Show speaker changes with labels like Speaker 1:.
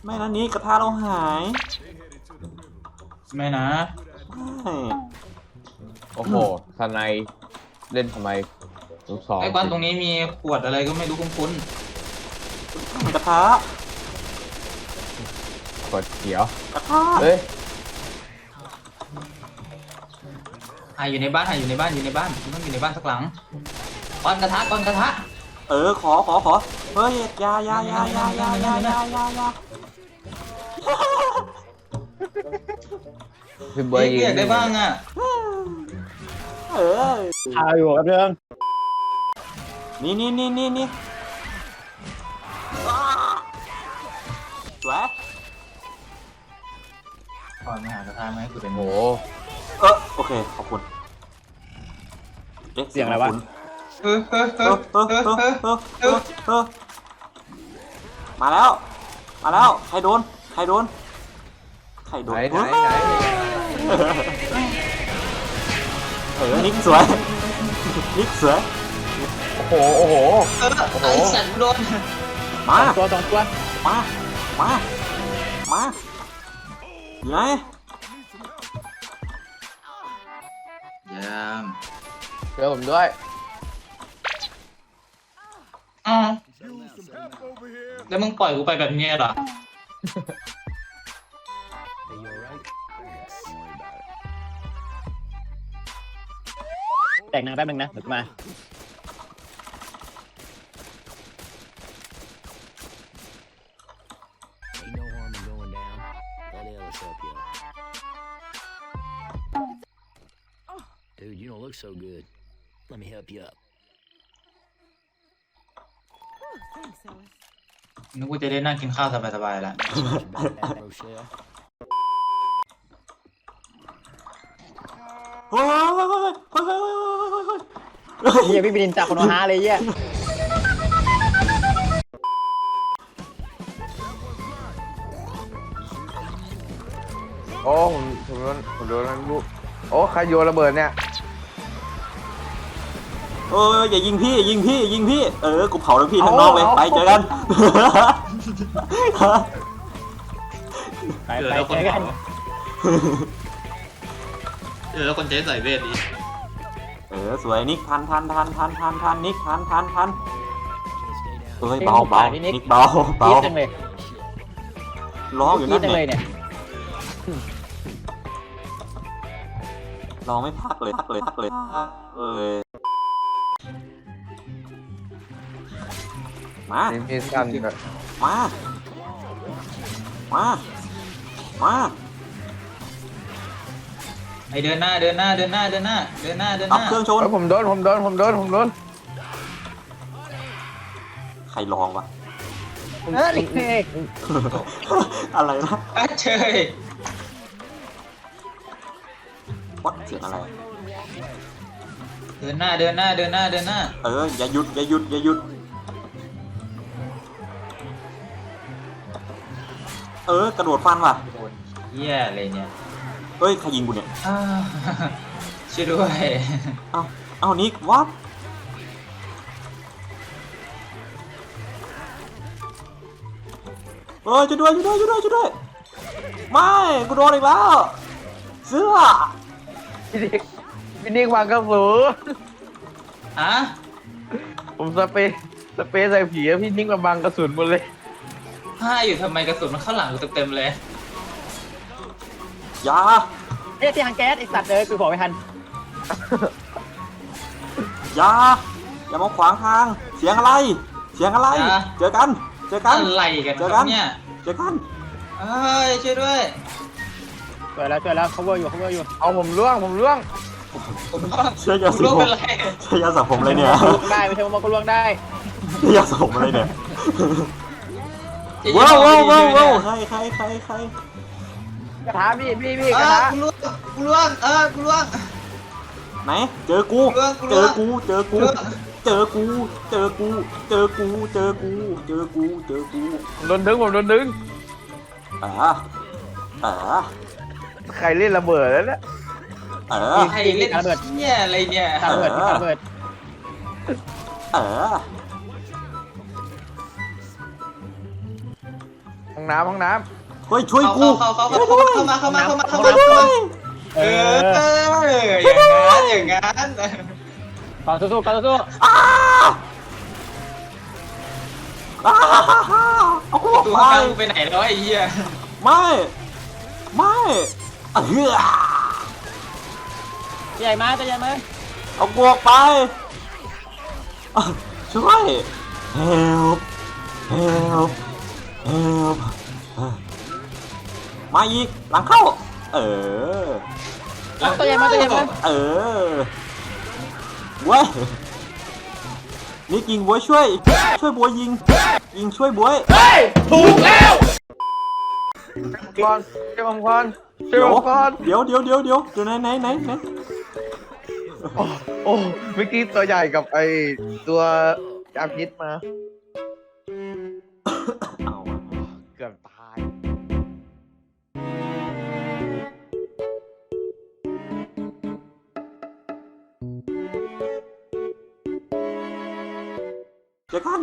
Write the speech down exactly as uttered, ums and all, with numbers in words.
Speaker 1: ไม่นะนี่กระทะเราหาย
Speaker 2: ไม่นะ
Speaker 1: ไม่
Speaker 3: โอ้โหทนายเล่นทำไมลูกสอง
Speaker 2: ไอ้บ้านตรงนี้มีขวดอะไรก็ไม่รู้คุ้น
Speaker 1: กระทะ
Speaker 3: กดเขียว
Speaker 1: กระทะ
Speaker 3: เฮ้ย
Speaker 2: หายอยู่ในบ้านหายอยู่ในบ้านอยู่ในบ้านต้องอยู่ในบ้านสักหลังก้อนกระทะก้อนกระทะ
Speaker 1: เออขอขอขอเฮ้ยยายายายายายายายายา
Speaker 3: พี่เบย์
Speaker 2: เรียกได้บ้างอ่ะ
Speaker 1: เออ
Speaker 4: พาอยู่กับเรื่อง
Speaker 1: นี่นี่นี่นี่นี่สวย
Speaker 2: ก่อนมาหากระทะไหมกูเป็น
Speaker 3: โห
Speaker 1: เออโอเคขอบคุณ
Speaker 4: เสียงอะไรวะ
Speaker 2: เออเออเออเออเออเออเออ
Speaker 1: เออมาแล้วมาแล้วใครโดนใครโดนใครโดน
Speaker 3: ไหนไหนไหน
Speaker 1: เออนิกสวยนิกสวย
Speaker 3: โอ้โหโอ้โห
Speaker 2: โอ้โหไอ้สัตว์โดน
Speaker 1: มา
Speaker 4: ตัวสองตัว
Speaker 1: มามามาอยู่ไหน
Speaker 2: ยาม
Speaker 3: เจอผมด้วย
Speaker 2: อ้าวแล้วมึงปล่อยกูไปแบบนี้เหรอ
Speaker 4: แต่งนางแป๊บนึงนะเดี๋ยวมา
Speaker 5: Dude, you don't look so good. Let me help you up.
Speaker 2: นึกว่าจะได้นั่งกินข้าวสบายๆแล้ว
Speaker 1: โอ้ย
Speaker 4: เฮียพี่บินจากคนฮาเลยเฮีย
Speaker 3: โอ้ผมผมโดนผมโดนลูกโอ้ใครโยนระเบิดเนี่ย
Speaker 1: เอออย่ายิงพี่ยิงพี่ยิงพี่เออกูเผาแล้วพี่ทั้งนอกเลยไปเจอกัน
Speaker 4: ไปไปเจอกัน
Speaker 2: เออแล้วคนเจ๊ใส่เวทดิ
Speaker 1: เออสวยนิกทันทันทันทันทันทันนิกทันทันทันเอ้ยเบาเบานิกเบาเบาร้องอยู่นั่นเนี่ยร้องไม่พักเลยพักเลยพักเลยเออมา
Speaker 3: มีสั้นแบบ
Speaker 1: มามามา
Speaker 2: ไอเดินหน้าเดินหน้าเดินหน้าเดินหน้าเดินหน้าเดินห
Speaker 1: น้า
Speaker 2: เค
Speaker 1: รื่องชน
Speaker 3: ผมโดนผมโดนผมโดนผมโดน
Speaker 1: ใครลองวะอะไรนะ
Speaker 2: เฉย
Speaker 1: วัดเสียงอะไร
Speaker 2: เดินหน้าเดินหน้าเดินหน้าเดินหน้า
Speaker 1: เอออย่าหยุดอย่าหยุดอย่าหยุดเออกระโดดฟันว่ะ
Speaker 2: เหี้ยอะไรเนี่ย
Speaker 1: เฮ้ยใครยิงกูเนี่ย
Speaker 2: ช่วยด้วย
Speaker 1: เอาเอานิกวัดเฮ้ยช่วยด้วยช่วยด้วยช่วยด้วยช่วยด้วยไม่กูโดนอีกแล้วเสื้อ
Speaker 3: พี่นิกพี่นิกวางกระสุน
Speaker 2: ฮะ
Speaker 3: ผมสเปรย์สเปรย์ใส่ผีแล้วพี่นิกมาบังกระสุนหมดเลย
Speaker 2: ห้าอยู่ทำไมกระสุนมันเข้าหลังกูเต็มๆเลย
Speaker 1: อย่า
Speaker 4: เฮ้ยที่ทางแก๊สไอสัตว์เลยกูบอกไม่ทัน
Speaker 1: อย่าอย่ามาขวางทางเสียงอะไรเสียงอะไรเจอกันเจอกัน
Speaker 2: อะไรกัน
Speaker 1: เจอกัน
Speaker 2: เนี่ย
Speaker 1: เจอกัน
Speaker 2: เฮ้ยช่วยด้วย
Speaker 4: ช่วยแล้วช่วยแล้ว cover อยู่ cover อยู่
Speaker 3: เอาผมล่วงผมล่วง
Speaker 2: ผมล่วง
Speaker 1: เชื่อยาสีผมเชื่อยาสระผมเลยเนี่ย
Speaker 4: ได้ไม่ใช่ว่าก็ล่วงได้
Speaker 1: เชื่อยาสระผมอะไรเนี่ยว้าวว้าวว้าวว้าวใครใครใครใคร
Speaker 4: กระทะพี่พี่พี่กระทะ
Speaker 2: กูล่วงกูล่วงเออกูล่วง
Speaker 1: ไหนเจอกูเจอกูเจอกูเจอกูเจอกูเจอกูเจอกูเจอกูเจอกู
Speaker 3: โดนดึงผมโดนดึง
Speaker 1: อ่าอ่า
Speaker 3: ใครเล่นระเบิดแล้วเนี่ย
Speaker 1: เออ
Speaker 2: ใครเล่นระเบิดเนี่ยอะไรเนี่ย
Speaker 4: ระเบิดระเบิด
Speaker 1: เออ
Speaker 3: ห้องน้ำห้องน้
Speaker 1: เฮ้ยช่วย
Speaker 2: เข้า
Speaker 1: กู
Speaker 2: เข้าเข้าเข้า
Speaker 1: ช่วย
Speaker 2: เข้า
Speaker 1: ด้วย
Speaker 2: มาเข้ามาเข้ามาเข้า
Speaker 1: ช่
Speaker 2: มา
Speaker 1: วยด้วย
Speaker 4: เอ
Speaker 2: เอ
Speaker 4: อ
Speaker 2: ออย่างงั้นอย่างงั้น
Speaker 4: ก่อนสู้ๆก่อนสู้
Speaker 1: อ้าอ้าเอากูออก
Speaker 2: ตัว
Speaker 1: ไป
Speaker 2: ข้างๆไปไหนแล้วไอ้เหี้ย
Speaker 1: ไม่ไม่เออ
Speaker 4: ๆใหญ่มาจะใหญ่มา
Speaker 1: เอากูออกไปอ่ะช่วย help help help มาอีกหลังเข้า เออ
Speaker 4: ตัวใหญ่มาตัวใหญ่มา
Speaker 1: เออเว้ยนี่ยิงบวยช่วย ช่วยบวยยิง ยิงช่วยบวย
Speaker 3: ำก่อนเจ้าผมก่อนเจ้า
Speaker 1: เดี๋ยว
Speaker 3: ผมก่อน
Speaker 1: เดี๋ยวเดี๋ยวเดี๋ยวเดี๋ยวเดี๋ยวไหนไหนไหนไหน
Speaker 3: โอ้โอ้เมื่อกี้ตัวใหญ่กับไอตัวจามพิษมา
Speaker 1: เอาอะ
Speaker 3: เกือบตาย
Speaker 1: เจอกัน